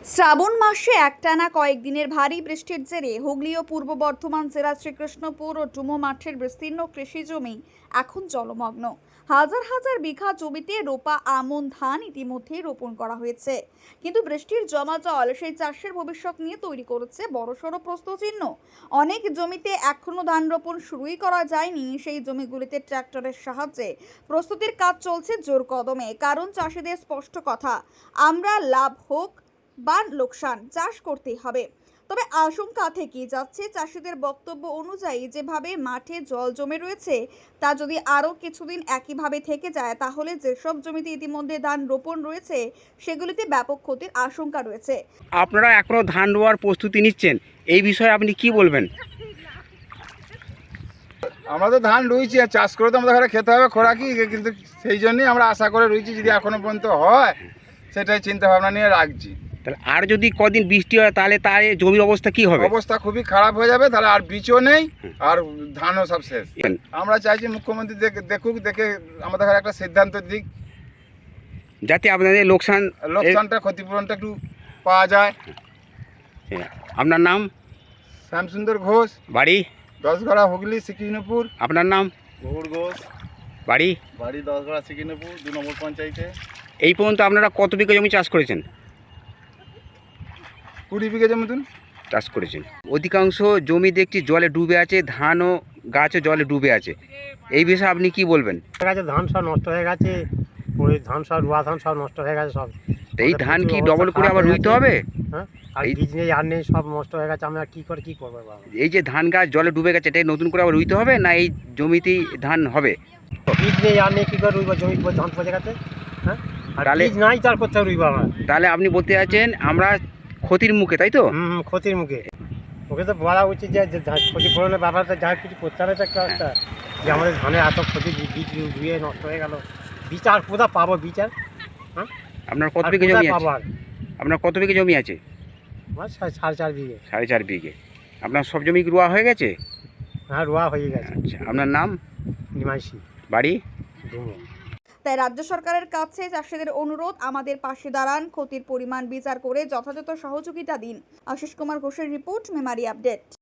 শ্রাবণ মাসে একটানা কয়েকদিনের ভারী বৃষ্টির জেরে হুগলি ও পূর্ব বর্ধমান জেলার শ্রীকৃষ্ণপুর ও ডুমো মাঠের বিস্তীর্ণ কৃষি জমি এখন জলমগ্ন। হাজার হাজার বিঘা জমিতে রোপা আমন ধান ইতিমধ্যেই রোপণ করা হয়েছে, কিন্তু বৃষ্টির জমা জল সেই চাষের ভবিষ্যৎ নিয়ে তৈরি করেছে বড়সড় প্রশ্নচিহ্ন। অনেক জমিতে এখনো ধান রোপণ শুরুই করা যায়নি। সেই জমিগুলিতে ট্রাক্টরের সাহায্যে প্রস্তুতির কাজ চলছে জোর কদমে, কারণ চাষিদের স্পষ্ট কথা, আমরা লাভ হোক বা লোকসান চাষ করতেই হবে। তবে আশঙ্কা থেকে যাচ্ছে, চাষিদের বক্তব্য অনুযায়ী যেভাবে মাঠে জল জমে রয়েছে তা যদি আরও কিছুদিন একইভাবে থেকে যায়, তাহলে যেসব জমিতে ইতিমধ্যে ধান রোপণ রয়েছে সেগুলিতে ব্যাপক ক্ষতির আশঙ্কা রয়েছে। আপনারা এখনো ধান রোয়ার প্রস্তুতি নিচ্ছেন, এই বিষয়ে আপনি কি বলবেন? আমরা তো ধান রুইছি, আর চাষ করে তো আমাদের ঘরে খেতে হবে খোরাকি, কিন্তু সেই জন্যই আমরা আশা করে রুইছি, যদি এখনো পর্যন্ত হয় সেটাই চিন্তা ভাবনা নিয়ে রাখছি। তাহলে আর যদি কদিন বৃষ্টি হয় তাহলে জমির অবস্থা কি হবে? অবস্থা খুবই খারাপ হয়ে যাবে, তাহলে আর বীজও নেই আর ধানও সব শেষ। আমরা চাইছি মুখ্যমন্ত্রী দেখুক, দেখে আমাদের ঘরে একটা সিদ্ধান্ত দিক, যাতে আপনাদের লোকসানটা ক্ষতিপূরণটা একটু পাওয়া যায়। আপনার নাম? শ্যামসুন্দর ঘোষ, বাড়ি? দশগড়া, হুগলি, শ্রীকৃষ্ণপুর। আপনার নাম? গৌর ঘোষ, বাড়ি? বাড়ি দশগড়া, শ্রীকৃষ্ণপুর 2 নম্বর পঞ্চায়েতে। এই পর্যন্ত আপনারা কত বিঘা জমি চাষ করেছেন? 20 বিঘা মতন চাষ করেছেন। অধিকাংশ জমি দেখছি জলে ডুবে আছে, ধান ও গাছও জলে ডুবে আছে, এই বিষয়ে আপনি কি বলবেন? ধান সব নষ্ট হয়ে গেছে, ওই ধান সব রোয়া ধান সব নষ্ট হয়ে গেছে সব। তো এই ধান কি ডবল করে আবার রুইতে হবে? হ্যাঁ, আর বীজ নেই, আর নেই, সব নষ্ট হয়ে গেছে। আমরা কি করবো? এই যে ধান গাছ জলে ডুবে গেছে, এটাই নতুন করে আবার রুইতে হবে না এই জমিতেই ধান হবে? বীজ নেই, আর নেই, কি করে রুইব? জমি ধান পচে গেছে। হ্যাঁ, আর তাহলে বীজ নাই, তার কোথাও রুইব আমরা? তাহলে আপনি বলতে চাচ্ছেন আমরা ক্ষতির মুখে, তাই তো? ক্ষতির মুখে। ওকে তো বলা উচিত যে ক্ষতিপূরণের ব্যাপারটা যা কিছু করতে হবে, একটা রাস্তা যে আমাদের ধানের এত ক্ষতি, বীজ রুইয়ে নষ্ট হয়ে গেল, বীজ আর কোথাও পাবো? বীজ আর আপনার কত বিঘা জমি আছে? আর আপনার কত বিঘা জমি আছে? আমার 4.5 বিঘে। 4.5 বিঘে। আপনার সব জমি কি রোয়া হয়ে গেছে? হ্যাঁ, রোয়া হয়ে গেছে। আচ্ছা, আপনার নাম? নিমাইশি, বাড়ি? ডুমো। তাই রাজ্য সরকারের কাছে চাষিদের অনুরোধ, আমাদের পাশে দাঁড়ান, ক্ষতির পরিমাণ বিচার করে যথাযথ সহযোগিতা দিন। আশিস কুমার ঘোষের রিপোর্ট, মেমারি আপডেট।